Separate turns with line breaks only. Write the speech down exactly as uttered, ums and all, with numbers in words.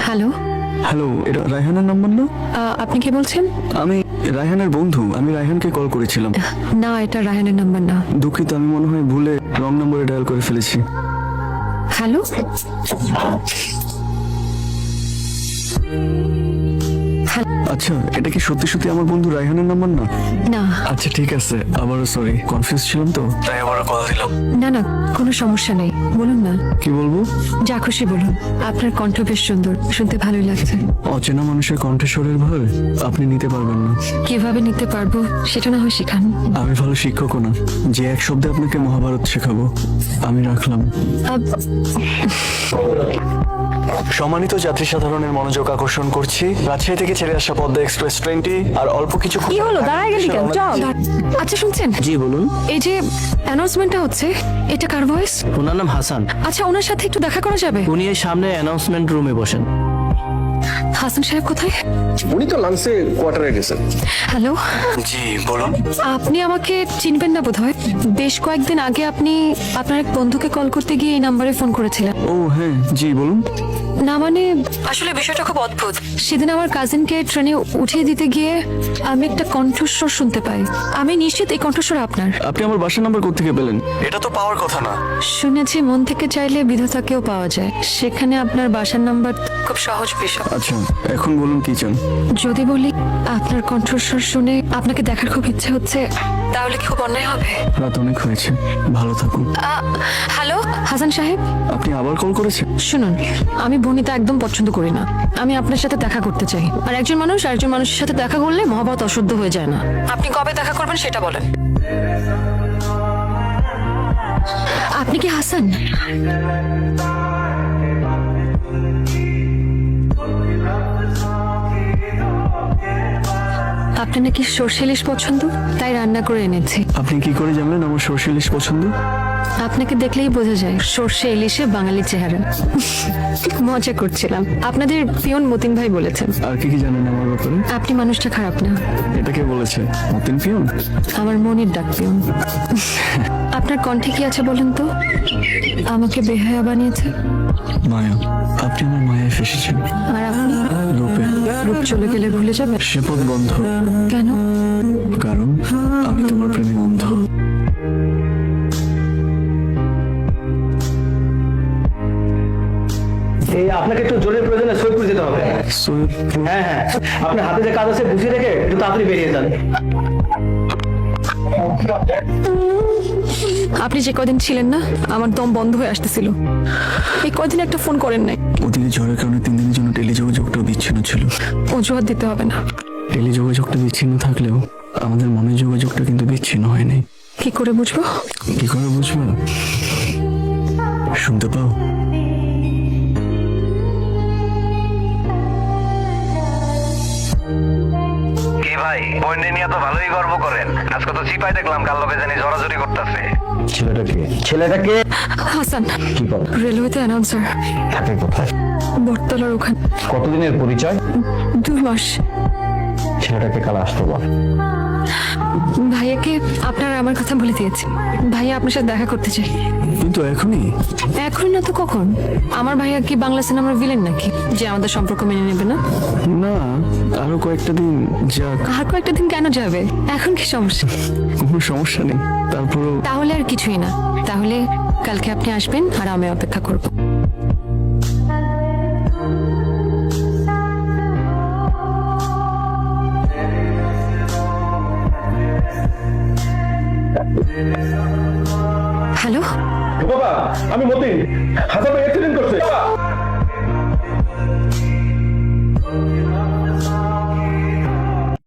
Hello,
hello, এটা রায়হানের number না?
আপনি কে বলছেন?
আমি রায়হানের বন্ধু। আমি রায়হানকে কল করেছিলাম।
না, এটা রায়হানের নাম্বার না।
দুঃখিত, আমি মনে হয় ভুলে রং নম্বরে ডায়াল করে ফেলেছি।
হ্যালো,
আচ্ছা, এটা কি সত্যি সত্যি আমার বন্ধু রায়হানের নাম্বার না?
না
আচ্ছা ঠিক আছে, আবারও সরি, কনফিউজ ছিলাম তো তাই আবারও কল দিলাম।
না না, কোনো সমস্যা নেই, বলুন না।
কি বলবো?
যা খুশি বলুন। আপনার কণ্ঠ বেশ সুন্দর, শুনতে ভালোই লাগছে।
অচেনা মানুষের কণ্ঠস্বরের ভার আপনি নিতে পারবেন না।
কিভাবে নিতে পারবো সেটা না হয় শিখান।
আমি ভালো শিক্ষকও না যে এক শব্দে আপনাকে মহাভারত শেখাবো। আমি রাখলাম।
আব-
সম্মানিত যাত্রী সাধারণের মনোযোগ আকর্ষণ করছি, রাজশাহী থেকে ছেড়ে আসা পদ্মা এক্সপ্রেস ট্রেনটি আর অল্প কিছু
কি হলো, দাঁড়ায় গেলি কেন? চল। আচ্ছা শুনছেন,
জি বলুন।
এই যে অ্যানাউন্সমেন্টটা হচ্ছে, এটা কার ভয়েস?
ওনার নাম হাসান।
আচ্ছা, ওনার সাথে একটু দেখা করা যাবে?
উনি এই সামনে অ্যানাউন্সমেন্ট রুমে বসেন।
হাসান সাহেব কোথায়?
উনি তো লাঞ্চে কোয়ার্টারে গেছেন।
হ্যালো,
জি বলুন।
আপনি আমাকে চিনবেন না বোধহয়। বেশ কয়েকদিন আগে আপনি আপনার এক বন্ধুকে কল করতে গিয়ে এই নাম্বারে ফোন করেছিলেন।
ও হ্যাঁ, জি বলুন।
না মানে, আসলে বিষয়টা খুব অদ্ভুত। সেদিন আমার কাজিনকে ট্রেনে উঠিয়ে দিতে গিয়ে আমি একটা কণ্ঠস্বর শুনতে পাই। আমি নিশ্চিত এই কণ্ঠস্বর আপনার।
আপনি আমার বাসার নাম্বার কোত্থেকে পেলেন? এটা তো পাওয়ার কথা না।
শুনেছি মন থেকে চাইলে বিধাতাকেও পাওয়া যায়, সেখানে আপনার বাসার নাম্বার খুব সহজ বিষয়।
আচ্ছা, এখন বলুন কি চান?
যদি বলি আপনার কণ্ঠস্বর শুনে আপনাকে দেখার খুব ইচ্ছে হচ্ছে, তাহলে কি খুব অন্যায় হবে?
রাত অনেক হয়েছে, ভালো থাকুন।
আ, হ্যালো হাসান সাহেব,
আপনি আবার কল করেছেন?
শুনুন, আমি বনিতা একদম পছন্দ করি না। আমি আপনার সাথে দেখা করতে চাই। আর একজন মানুষ আরেকজন মানুষের সাথে দেখা করলে মহাভারত অশুদ্ধ হয়ে যায় না। আপনি কবে দেখা করবেন সেটা বলেন। আপনি কি হাসান? আপনার নাকি সর্ষে ইলিশ পছন্দ, তাই রান্না করে এনেছি।
আপনি কি করে জানলেন আমার সর্ষে ইলিশ পছন্দ?
আপনাকে দেখলেই বোঝা যায় সর্ষে ইলিশে বাঙালি চেহারা। মজা করছিলাম। আপনাদের পিয়ন মতিন ভাই বলেছেন।
আর কি কি জানেন আমার ব্যাপারে?
আপনি মানুষটা খারাপ না।
এটা কে বলেছে? মতিন পিয়ন?
আমার মনের ডাক পিয়ন। আপনার কণ্ঠে কি আছে বলেন তো? আমাকে বেহায়া বানিয়েছে।
মায়া, আপনি আমার মায়ায় ফেসেছেন।
আর আপনি?
রূপে।
রূপ চলে গেলে ভুলে যাবে?
সে পথ বন্ধ,
কেন?
কারণ আমি তোমার প্রেমে অন্ধ।
এই আপনাকে একটু জোরের প্রয়োজনে সৈয়দপুর যেতে হবে।
সৈয়দপুর?
হ্যাঁ হ্যাঁ, আপনার হাতে যে কাজ আছে বুঝিয়ে রেখে একটু তাড়াতাড়ি বেরিয়ে যান।
আপনি যে কদিন ছিলেন না, আমার দম বন্ধ হয়ে আসতেছিল। এই কদিন একটা ফোন করেন নাই।
ওদিকে ঝড়ের কারণে তিন দিনের জন্য টেলিযোগাযোগটাও বিচ্ছিন্ন ছিল।
অজুহাত দিতে হবে না।
টেলিযোগাযোগটা বিচ্ছিন্ন থাকলেও আমাদের মনের যোগাযোগটা কিন্তু বিচ্ছিন্ন হয়নি।
কি করে বুঝবো?
কি করে বুঝবো? শুনতে পাও?
কি ভাই, বইনে নিয়ে তো ভালোই গর্ব করেন। আজকে তো চিপাই দেখলাম কাল লোকে জানি জড়াজড়ি করতেছে।
ছেলেটাকে ছেলেটাকে
হাসান,
কি বল?
রেলওয়েতে অ্যানাউন্সার।
থাকে কোথায়?
বটতলার ওখানে।
কতদিনের পরিচয়?
দুই মাস।
ছেলেটাকে কাল আসতে বল।
ভাইয়াকে আপনার আমার কথা বলে দিয়েছি। ভাইয়া আপনার সাথে দেখা করতে চাই।
কিন্তু এখনই?
এখন না তো কখন? আমার ভাইয়া কি বাংলা সিনেমার ভিলেন নাকি যে আমাদের সম্পর্ক মেনে নেবে না?
না, আরো কয়েকটা দিন যাক।
আর কয়েকটা দিন কেন যাবে? এখন কি সমস্যা?
কোনো সমস্যা নেই, তারপরও
তাহলে আর কিছুই না। তাহলে কালকে আপনি আসবেন আর আমি অপেক্ষা করব। হ্যালো,
বাবা, আমি মতিন। হাসান ভাই অ্যাক্সিডেন্ট করছে।